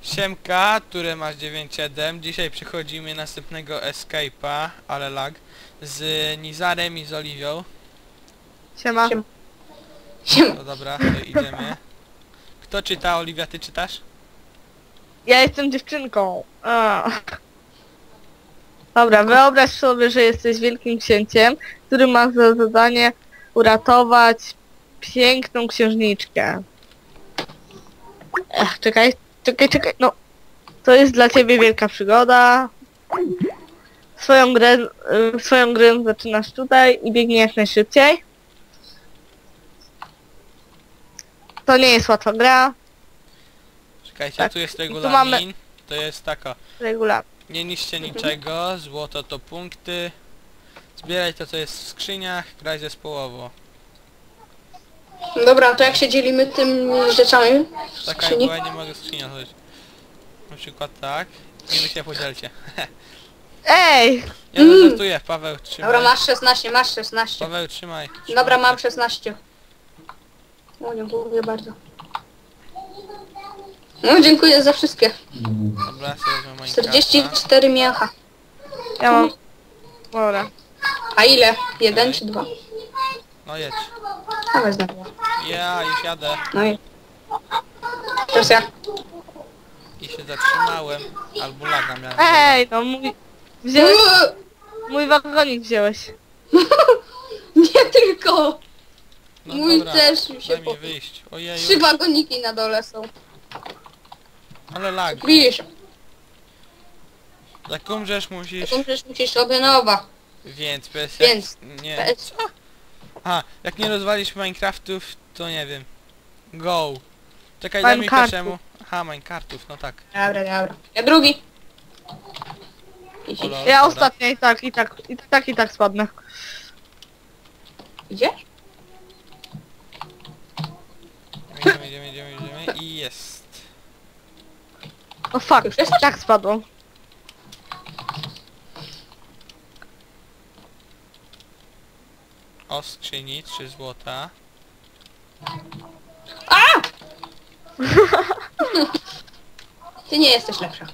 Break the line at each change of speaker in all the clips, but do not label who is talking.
Siemka, które masz 9.7. Dzisiaj przechodzimy następnego escape'a, ale lag, z Nizarem i z Oliwią.
Siema.
No dobra, to idziemy. Kto czyta? Oliwia, ty czytasz?
Ja jestem dziewczynką. Dobra, wyobraź sobie, że jesteś wielkim księciem, który ma za zadanie uratować piękną księżniczkę. Czekaj, no. To jest dla ciebie wielka przygoda. Swoją grę zaczynasz tutaj i biegnie jak najszybciej. To nie jest łatwa gra.
Czekajcie,
Tak.
tu jest
I tu
regulamin.
mamy-
To jest taka.
Regularnie.
Nie niszcie niczego, złoto to punkty. Zbieraj to, co jest w skrzyniach, graj zespołowo.
Dobra, to jak się dzielimy tym rzeczami w
Taka,
skrzyni?
bo ja nie mogę skrzynia otworzyć. Na przykład tak. I wy się podzielcie.
Ej!
Ja no żartuję, Paweł, trzymaj.
Dobra, masz 16, masz 16.
Paweł, trzymaj.
Dobra, mam 16. O, dziękuję bardzo. No, dziękuję za wszystkie.
Dobra, sobie wezmę Minecrafta.
44 mięcha.
Ja mam... Dobra.
A ile? 1 czy 2?
No jedź.
A wezmę.
Ja już jadę.
No i... Teraz ja.
I się zatrzymałem. Albo laga miałem.
Ej, no wziąłeś... Mój wagonik wziąłeś.
Nie tylko!
No
Mój
dobra,
też mi się
daj mi
po...
wyjść.
3
Ojeju,
wagoniki na dole są.
ale lag.
Widzisz?
Jak umrzesz musisz...
Taką rzecz musisz sobie nowa.
Więc PS...
Więc.
Nie.
PS.
Co? A, jak nie rozwalisz Minecraftów, to nie wiem. Go. Czekaj, daj mi
Minecartów.
pierwszemu. Aha, Minecartów, no tak.
Dobra, dobra. Ja drugi.
O lol,
Ja
dobra.
ostatnio i tak spadnę.
Idziesz?
Idziemy i jest.
O fuck,
Już jesteś?
tak spadło.
O skrzyni, 3 złota.
Ty nie jesteś lepsza.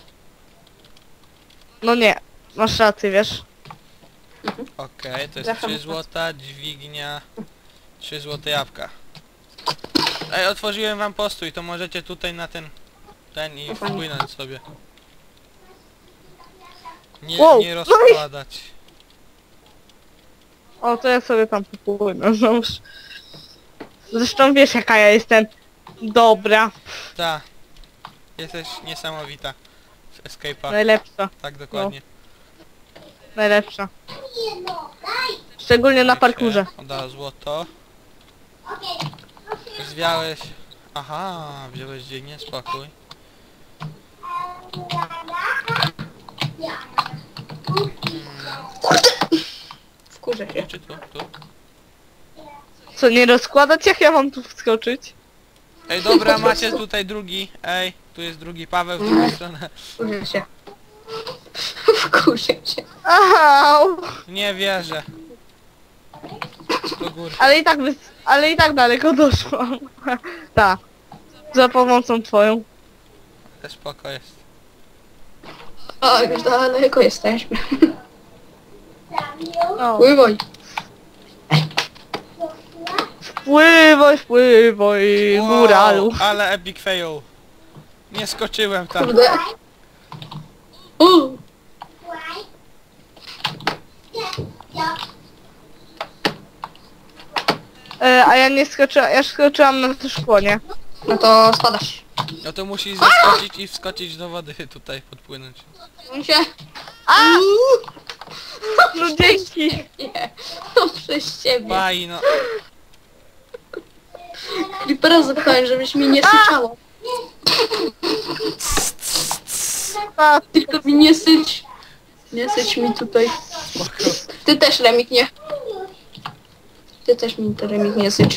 No nie, masz rację, wiesz.
Okej, to jest
Zawsze
3
masz
złota, dźwignia, 3 złote jabłka. Ej, otworzyłem wam postój, to możecie tutaj na ten i
O, fajnie.
wpłynąć sobie. Nie,
Wow,
nie rozkładać.
O, to ja sobie tam popłynę, no już. Zresztą wiesz jaka ja jestem dobra,
Ta. Jesteś niesamowita. Z Escape'a.
najlepsza,
Tak, dokładnie.
najlepsza. Szczególnie na
Wiecie,
parkurze.
Oddała złoto. Zwiałeś... Aha, wziąłeś dźwignię, spokój.
Wkurzę się.
Czy tu? Tu?
Co, nie rozkładać jak ja mam tu wskoczyć?
Ej, dobra, macie tutaj drugi. Ej, tu jest drugi Paweł w drugą stronę.
Wkurzę się. Wkurzę się.
Au!
Nie wierzę. Do góry.
Ale i tak daleko doszłam. Tak. Za pomocą twoją.
Ale spoko jest.
O, już daleko jesteśmy.
No.
Pływaj.
Wpływaj, góralu.
Ale epic fail. Nie skoczyłem tam.
Kurde. O!
A ja nie skoczyłam, ja skoczyłam na to szkło, nie?
No to spadasz.
No to musisz zaskoczyć i wskoczyć do wody tutaj, podpłynąć.
On się...
No dzięki.
Nie. No przez ciebie.
Baj, no.
Creepera zapytałem, żebyś mi nie syczało.
A,
Tylko mi nie syć. Nie syć mi tutaj.
Spoko.
Ty też, Remik, nie. Ty też mi, Remik, nie sycz.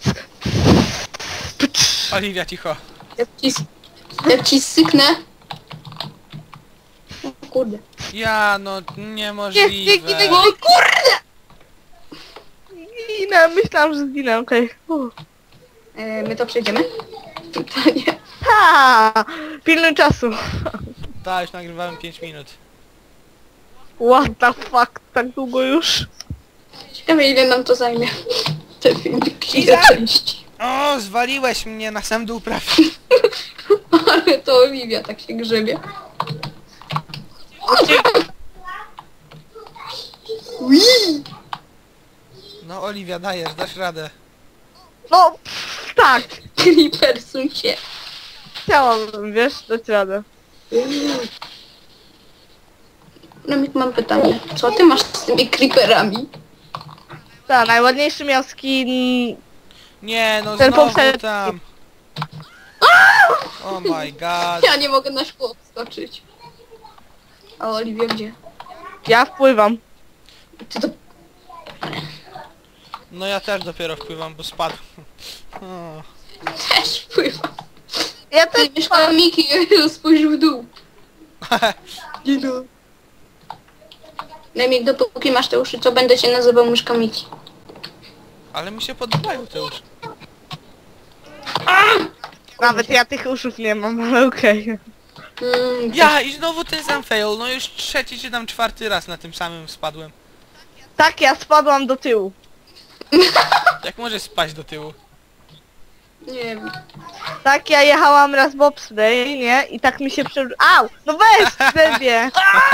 Oliwia, cicho.
Jak ci syknę... O kurde.
Ja, no,
nie,
niemożliwe.
O kurde!
zginę, myślałam, że zginę, okej.
My to przejdziemy? To nie.
Ha! Pilnuj czasu.
Tak, już nagrywałem 5 minut.
What the fuck, tak długo już?
Ciekawe ile nam to zajmie. Te filmiki
Iza!
części.
O, zwaliłeś mnie na sam dół prawie.
Ale to Oliwia tak się grzebie. Ui!
No Oliwia, dajesz, dasz radę.
No, tak.
Creeper suń się.
Chciałabym, wiesz, dać radę.
Remik, mam pytanie. Co ty masz z tymi creeperami?
Tak, najładniejszy miał skin...
Nie, no
Ten
znowu
poprzedni.
tam. Oh my god.
Ja nie mogę na szkło wskoczyć. A Oliwia gdzie?
Ja wpływam.
Ty to...
No ja też dopiero wpływam, bo spadł. O.
też wpływa.
Ja
Ty
też
mieszkała Miki, spójrz w dół. Nie no. Remik, dopóki masz te uszy, co będę cię nazywał myszka Miki.
Ale mi się podobają te uszy.
Nawet ja tych uszów nie mam, ale okej.
Ja i znowu ten sam fail, no już trzeci czy tam czwarty raz na tym samym spadłem.
Tak, ja spadłam do tyłu.
Jak możesz spaść do tyłu?
Nie wiem.
Tak, ja jechałam raz bobsleigh, nie? I tak mi się Au! No weź zebie!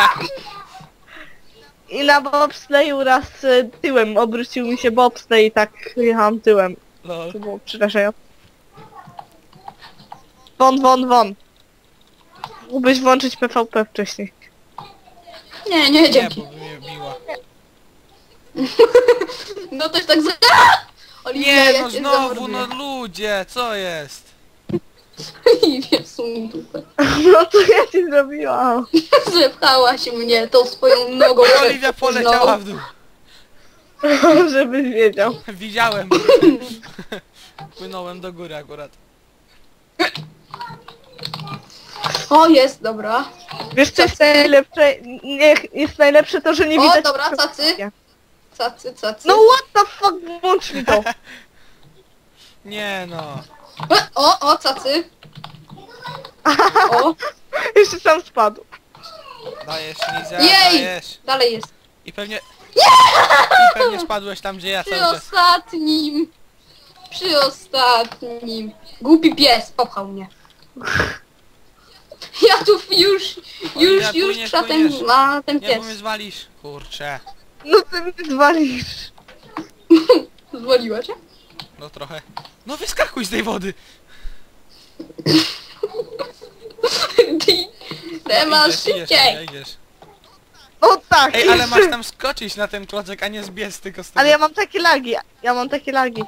I na bobsleigu raz tyłem obrócił mi się bobsleigh i tak jechałam tyłem.
Lol.
To było przerażające. Won. Mógłbyś włączyć PvP wcześniej.
Nie, nie,
Nie,
dzięki.
bo by mnie biła.
No to jest tak za... Oliwia,
Nie,
ja
no
cię
znowu, no
zamorduję.
ludzie, co jest?
Oliwia, suń dupę.
No to ja ci zrobiłam.
Zepchałaś mnie tą swoją nogą.
Oliwia poleciała w dół.
Żebyś wiedział.
Widziałem. Płynąłem do góry akurat.
O, jest, dobra.
Wiesz co jest najlepsze? Nie, jest najlepsze to, że nie
O,
widać...
dobra, cacy. Cacy.
No what the fuck, włącz mi to.
Nie no.
O, cacy. O,
Jeszcze sam spadł.
Dajesz, Liza,
jej!
dajesz.
Dalej jest.
I pewnie... I pewnie spadłeś tam, gdzie ja
Przy
cały czas.
ostatnim. Przy ostatnim. Głupi pies popchał mnie. Ja tu
Oliwia,
już
płyniesz,
krzatem
płyniesz.
ma ten
Nie, bo
pies.
mnie zwalisz. Kurczę.
No ty mnie zwalisz.
Zwoliła cię?
No trochę. No wyskakuj z tej wody.
Ty masz
Idziesz,
szybciej.
idziesz.
No tak.
Ej, ale masz tam skoczyć na ten klocek, a nie zbiec tylko z tego.
Ale ja mam takie lagi.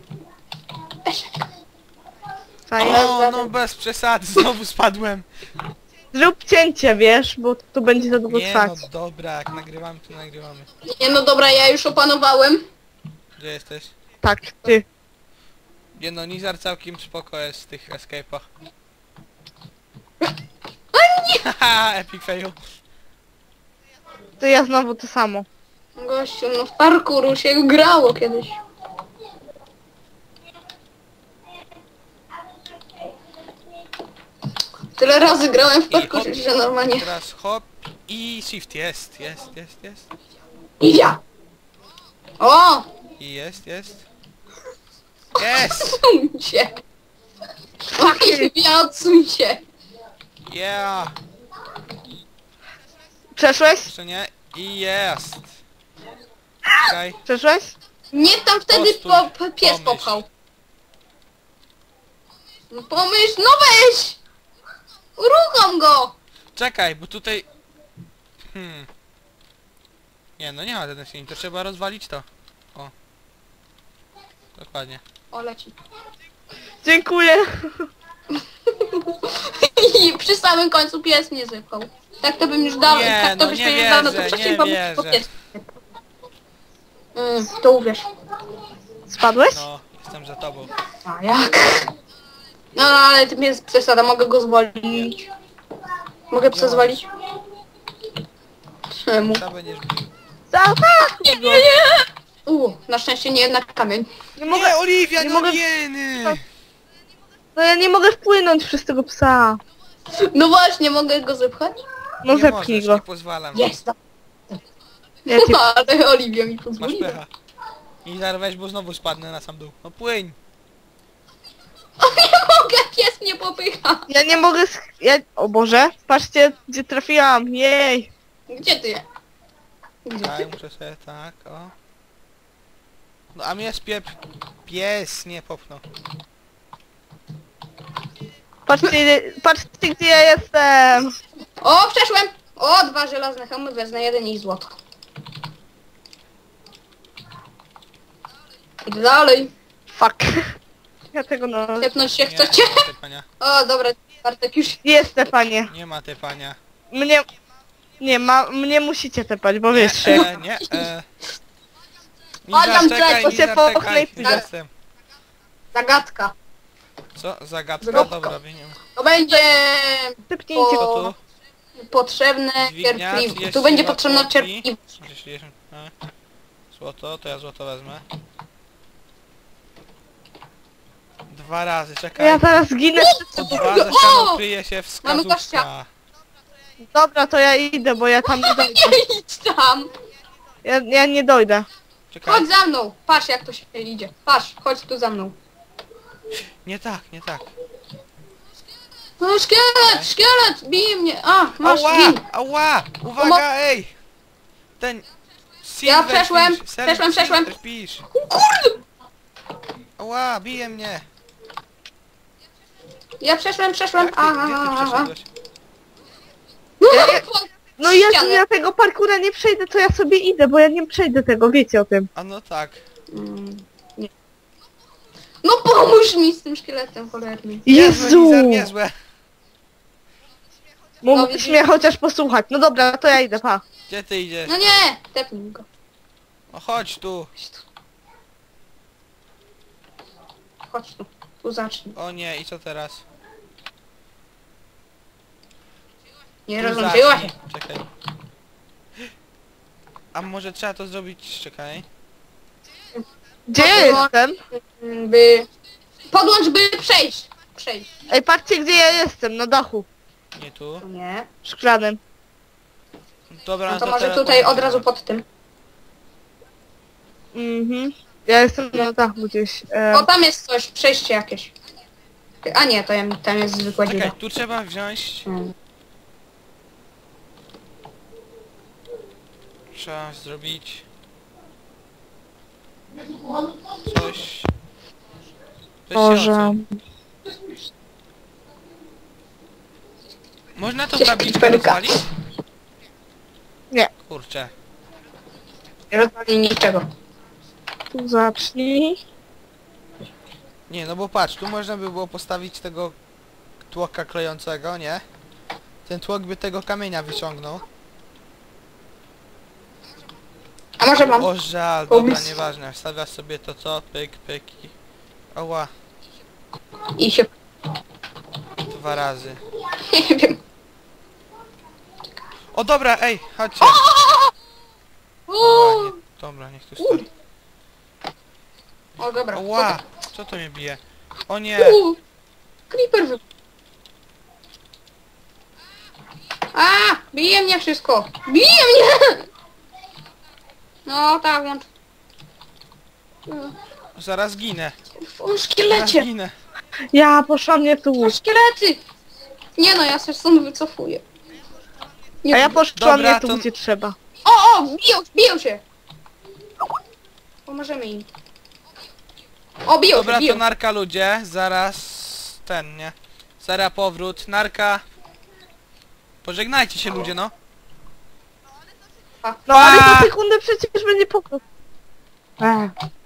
Fajnie.
O, no bez przesady, znowu spadłem.
Zrób cięcie, wiesz, bo to będzie za długo
Nie
trwać.
no dobra, jak nagrywamy, to nagrywamy.
Nie no dobra, ja już opanowałem.
Gdzie jesteś?
Tak, ty.
Nie no, Nizar całkiem spoko jest w tych escape'ach. Haha, epic fail.
To ja znowu to samo.
Gościu, no w parkouru się grało kiedyś. Tyle razy grałem w
I
parkour,
hop.
że normalnie...
Teraz hop i shift, jest.
Idia! O!
I jest. Jest!
Odsuń się! Ja odsuń się!
Yeah!
Przeszłeś?
Jeszcze nie? I jest! Czekaj.
Przeszłeś?
Nie tam wtedy
Postój,
pies
pomyśl.
popchał. No pomyśl, no weź! Uruchom go!
Czekaj, bo tutaj... Nie, no nie ma ten silnik, to trzeba rozwalić to. O. Dokładnie.
O, leci.
Dziękuję.
I przy samym końcu pies mnie zepchał. Tak to bym już dał,
Nie,
tak to
no
byśmy
nie
już dawno
wierzę,
to
nie
wcześniej bo
wierzę.
pies. To uwierz.
Spadłeś?
No, jestem za tobą.
A jak? No ale to jest przesada, mogę go zwolić. Mogę psa zwalić? Czemu?
Co będziesz bił?
Nie.
Na szczęście nie na kamień.
Nie mogę.
Nie, Oliwia,
nie
no
mogę-
jeny!
No ja nie mogę wpłynąć przez tego psa.
No właśnie, mogę go zepchać?
No
nie
zepchnij
możesz,
go.
nie pozwalam.
Jest.
Ja ci...
Ale Oliwia mi
Masz
pozwoliła.
pecha. I zaraz weź, bo znowu spadnę na sam dół. No płyń!
O nie mogę, pies mnie popycha.
Ja nie mogę... Ja... O Boże, patrzcie, gdzie trafiłam. Jej.
Gdzie ty? Gdzie
Tak,
ty?
muszę sobie tak, o. No a mnie spiep... Pies nie popchnął.
Patrzcie, gdzie ja jestem.
O, przeszłem! O, 2 żelazne hełmy, wezmę 1 i złoto. Idę dalej.
Fuck. Ja tego no...
Tepnąć się
Nie,
chcecie?
nie ma tepania.
O, dobra, Bartek już...
Jest tepanie.
Nie ma tepania.
Mnie... Nie, mnie musicie tepać, bo wiesz,
Nie,
szyk.
nie.
Adam,
Nizar, czekaj,
bo
się
Nizar,
połknę
czekaj,
i pójdę.
jestem.
Zagadka.
Co? Zagadka?
Zróbka.
Dobra, wiem.
To będzie
Tepnijcie
Co
go.
tu?
potrzebne
Dźwignia,
cierpliwość. Tu będzie
32
potrzebna
kłopki.
cierpliwość.
60, a. Złoto, to ja złoto wezmę. 2 razy, czekaj.
Ja zaraz zginę.
Po 2 za ścianą
O!
kryje się
Mamy
wskazówka.
gościa.
Dobra, to ja idę, bo ja tam nie dojdę.
Nie idź tam!
Ja nie dojdę.
Czekaj.
Chodź za mną! Patrz jak to się idzie. Patrz, chodź tu za mną.
Nie tak, nie tak.
No szkielet, szkielet! Bije mnie! A, masz
Ała!
gin!
Ała! Uwaga, ej! Ten... Silverfish,
przeszłem,
Silverfish,
przeszłem.
Silverfish.
Kurde!
Ała, bije mnie!
Ja przeszłem.
Jak ty, gdzie ty
Aha.
przeszedłeś?
Ja nie-
Pod
No ja
ścianę.
ja tego parkura nie przejdę, to ja sobie idę, bo ja nie przejdę tego, wiecie o tym.
A no tak.
Nie. No pomóż mi z tym szkieletem cholernym.
Niezłe,
Jezu!
Nizar, niezłe.
Mógłbyś mnie chociaż posłuchać. No dobra, to ja idę, pa.
Gdzie ty idziesz?
No nie! Tepnij go.
No chodź tu.
Chodź tu. Chodź tu. Tu zacznij.
O nie, i co teraz?
Nie
Tu
rozłączyła się.
zacznij. Czekaj. A może trzeba to zrobić, czekaj.
Gdzie ja jestem?
By... Podłącz, by przejść. Przejść.
Ej, patrzcie gdzie ja jestem, na dachu.
Nie tu.
Nie.
Szklanym.
Dobra,
No to może
teraz
tutaj od
podejdę.
razu pod tym.
Mhm. Ja jestem na dachu gdzieś.
O, tam jest coś, przejście jakieś. A nie, to tam jest zwykła dziura.
Czekaj, tu trzeba wziąć...
Hmm.
Trzeba zrobić... Coś...
Boże.
Można tą
Coś
tabliczkę
creeperka.
rozwalić?
Nie.
Kurczę.
Nie rozwali niczego.
Tu zacznij.
Nie, no bo patrz, tu można by było postawić tego tłoka klejącego, nie? Ten tłok by tego kamienia wyciągnął.
A może mam?
O żal, dobra,
Pomysł.
nieważne. Wstawiasz sobie to co? Pyk, pyk i... Oła,
I się...
2 razy.
Nie wiem.
O dobra, ej, chodźcie.
O,
Oła, nie, dobra, niech tu stoi.
o dobra.
Oła, co to mnie bije? O nie,
Creeper wy... A, bije mnie wszystko. Bije mnie! No tak, włącz.
zaraz ginę.
O,
Zaraz
szkielecie!
ginę.
Ja poszłam nie tu.
O, szkielety! Nie no, ja się stąd wycofuję. Nie
A ja poszłam
Dobra,
nie tu
to-
gdzie trzeba.
O, biją się! Pomożemy im. O, biją
Dobra,
się,
to
biją.
narka ludzie, zaraz ten, nie? Zaraz powrót, narka. Pożegnajcie się ludzie, no.
No ale
Pa!
za sekundę przecież będzie powrót.